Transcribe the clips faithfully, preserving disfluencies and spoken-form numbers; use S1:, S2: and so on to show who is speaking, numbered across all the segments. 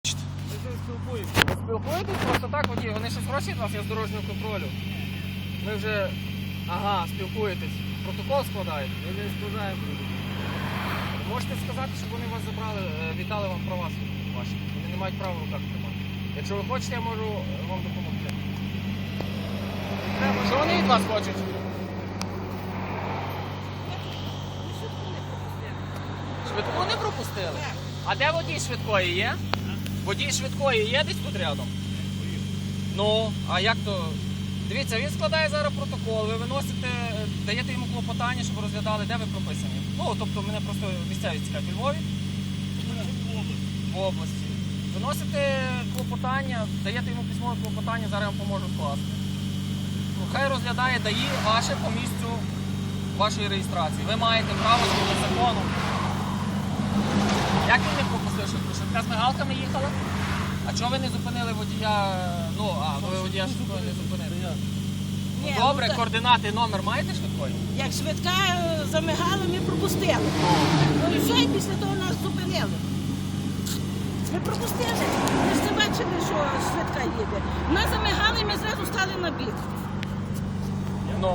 S1: Ми з ним спілкуємося.
S2: Спілкуєтесь просто так, водій? Вони щось просять вас, я з дорожнього контролю. Ми вже, ага, спілкуєтесь. Протокол складаєте?
S1: Ми не складаємо.
S2: Можете сказати, щоб вони вас забрали, е, віддали вам права ваші. Вони не мають права в руках тримати. Якщо ви хочете, я можу е, вам допомогти. Треба, що вони від вас хочуть? Швидку не пропустили? А де водій швидкої є? Водій швидкої є десь тут рядом? Ну, а як то? Дивіться, він складає зараз протокол, ви виносите, даєте йому клопотання, щоб розглядали, де ви прописані. Ну, тобто мене просто місцевість цікавить. У Львові? В області. Виносите клопотання, даєте йому письмове клопотання, зараз я вам поможу скласти. Ну, хай розглядає ДАІ ваше по місцю вашої реєстрації. Ви маєте право згідно закону. Як він не пропустив швидку? Швидка з мигалками їхала? А чого ви не зупинили водія? Ну, а, ви водія швидкої не зупинили. Ну,
S3: Ні,
S2: добре,
S3: ну, та-
S2: координати, номер маєте швидкої?
S3: Як швидка е, замигала, ми пропустили. Ну і все, і після того нас зупинили. Ми пропустили. Ми ж це бачили, що швидка їде. Нас замигали, і ми зразу стали на бік.
S2: Ну.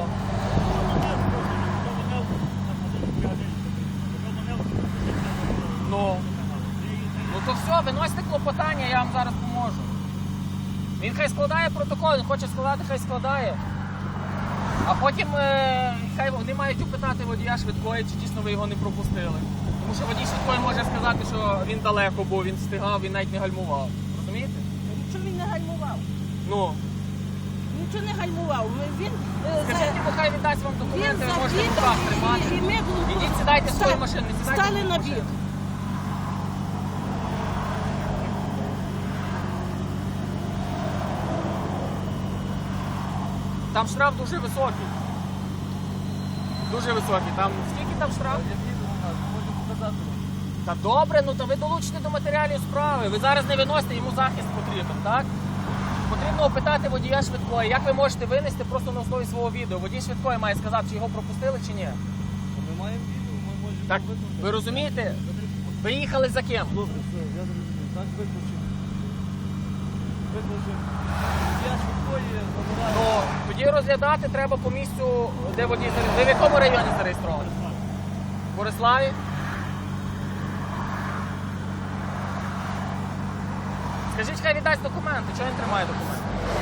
S2: Ну. Ну то все, виносите клопотання, я вам зараз поможу. Він хай складає протокол, він хоче складати, хай складає. А потім е, хай вони мають упитати водія швидкої, чи дійсно ви його не пропустили. Тому що водій швидкої може сказати, що він далеко був, він встигав, він навіть не гальмував. Розумієте?
S3: Нічого він не гальмував.
S2: Ну.
S3: Нічого не гальмував. Ми- Він, е, за-
S2: Скажіть, бо хай віддасть вам
S3: він
S2: документи, ви можете в
S3: завідав,
S2: руках тримати.
S3: і, і ми
S2: Ідіть, сідайте в свою
S3: ста-
S2: машину, не сідайте в
S3: стали
S2: свою
S3: на
S2: машину.
S3: бік.
S2: Там штраф дуже високий. Дуже високий. Там скільки там штраф?
S1: Можемо показати.
S2: Та добре, ну то ви долучите до матеріалів справи. Ви зараз не виносите, йому захист потрібен, так? Потрібно опитати водія швидкої. Як ви можете винести просто на основі свого відео? Водій швидкої має сказати, чи його пропустили, чи ні.
S1: Ми маємо відео, ми можемо
S2: Так,
S1: викликати.
S2: ви розумієте? Ви їхали за ким?
S1: Добре, все, я зрозумів. Так, виключимо. Виключимо. Я швидкої забираю.
S2: Ну, тоді розглядати треба по місцю, де водій зареєстрований. Ви в якому районі зареєстровані? В Бориславі? Скажіть, хай віддасть документи. Чого він тримає документи?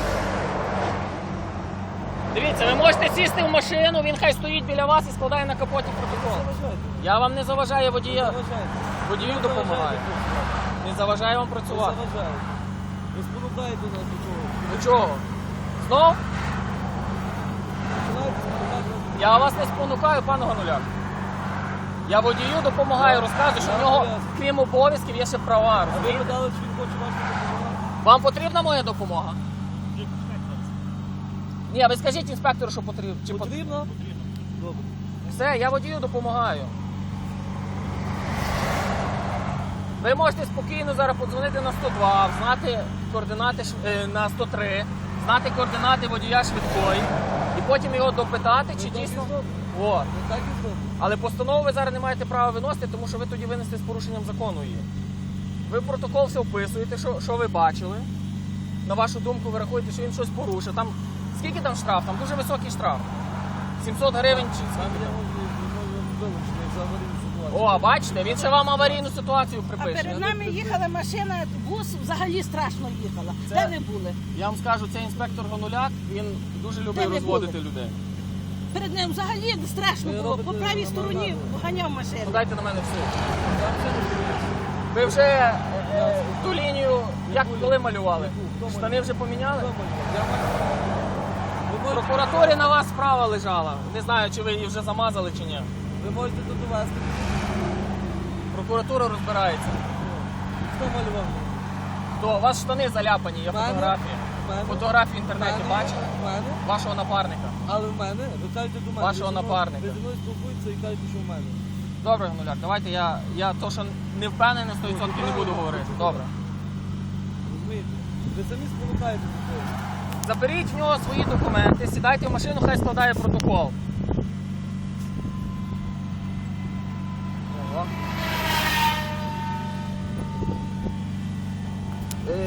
S2: Дивіться, ви можете сісти в машину, він хай стоїть біля вас і складає на капоті протокол.
S1: Заважайте.
S2: Я вам не заважаю водія,
S1: Заважайте.
S2: водію
S1: Ви
S2: допомагаю.
S1: заважаєте.
S2: Не заважаю вам
S1: Ви
S2: працювати.
S1: заважаєте. Ви спонукаєте нас до чого.
S2: До чого? Знов?
S1: Починаєте спонукати нас до
S2: Я вас не спонукаю, пане Гануляк. Я водію допомагаю, розказую, що в нього, крім обов'язків, є ще права.
S1: А ви
S2: Розумієте?
S1: питали, чи він хоче вашу допомогу?
S2: Вам потрібна моя допомога? Ні, ви скажіть інспектору, що потрібно. Чи пот-
S1: Потрібно? Добре.
S2: Все, я водію допомагаю. Ви можете спокійно зараз подзвонити на сто два, знати координати ш- е, на сто три, знати координати водія швидкої і потім його допитати, чи
S1: Ну, так і
S2: дійсно.
S1: зробимо.
S2: От.
S1: Ну так і зробимо.
S2: Але постанову ви зараз не маєте права виносити, тому що ви тоді винесли з порушенням закону її. Ви в протокол все вписуєте, що, що ви бачили. На вашу думку, ви рахуєте, що він щось порушив. Там скільки там штраф? Там дуже високий штраф. сімсот гривень чи
S1: Там
S2: скільки
S1: я
S2: там?
S1: можу вилучити, як за аварійну ситуацію.
S2: О, бачите, він ще вам аварійну ситуацію
S3: А
S2: припише.
S3: перед нами їхала машина, бус взагалі страшно їхала.
S2: Це-
S3: Де ви були?
S2: Я вам скажу, цей інспектор Гонуляк, він дуже
S3: Де
S2: любить
S3: ви
S2: розводити
S3: були?
S2: людей.
S3: Перед ним взагалі страшно
S1: Ви
S3: було. По
S1: робите
S3: правій
S1: на
S3: стороні
S1: нормально.
S3: ганяв машину.
S2: Подайте на мене в суд.
S1: Там все не зробили.
S2: Ви вже е, е, ту лінію, як коли малювали?
S1: Хто малював?
S2: Штани вже поміняли?
S1: Хто малював? Я малював. Ви
S2: В
S1: можете-
S2: прокуратурі на вас справа лежала. Не знаю, чи ви її вже замазали чи ні.
S1: Ви можете тут довести.
S2: Прокуратура розбирається.
S1: Хто малював?
S2: То у вас штани заляпані, є
S1: Мене?
S2: фотографії.
S1: Мене?
S2: Фотографії в інтернеті
S1: Мене?
S2: бачили?
S1: Мене?
S2: Вашого напарника.
S1: Але в мене, ви кажете до мене.
S2: Вашого
S1: ви зі мною-
S2: напарника.
S1: Ви зі мною спілкуєтеся і кажете, що в мене.
S2: Добре, Гнуляк, давайте я, я то, що не впевнений сто відсотків не буду говорити. Добре.
S1: Розумієте? Ви самі спонукаєте до того.
S2: Заберіть в нього свої документи, сідайте в машину, хай складає протокол. Ого.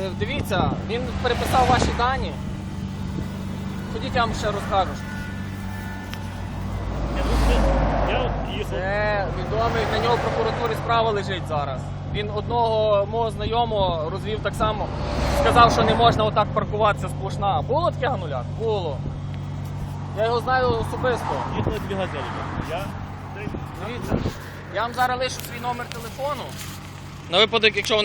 S2: е, дивіться, він переписав ваші дані. Ходіть, я вам ще розкажу.
S4: Я тут- Я от їхав.
S2: Це відомий, на нього в прокуратурі справа лежить зараз. Він одного мого знайомого розвів так само, сказав, що не можна отак паркуватися сплошна. Було таке, Гануляк? Було. Я його знаю особисто.
S4: Їхали дві газелі. Я
S2: Дивіться, я вам зараз лишу свій номер телефону. На випадок, якщо вони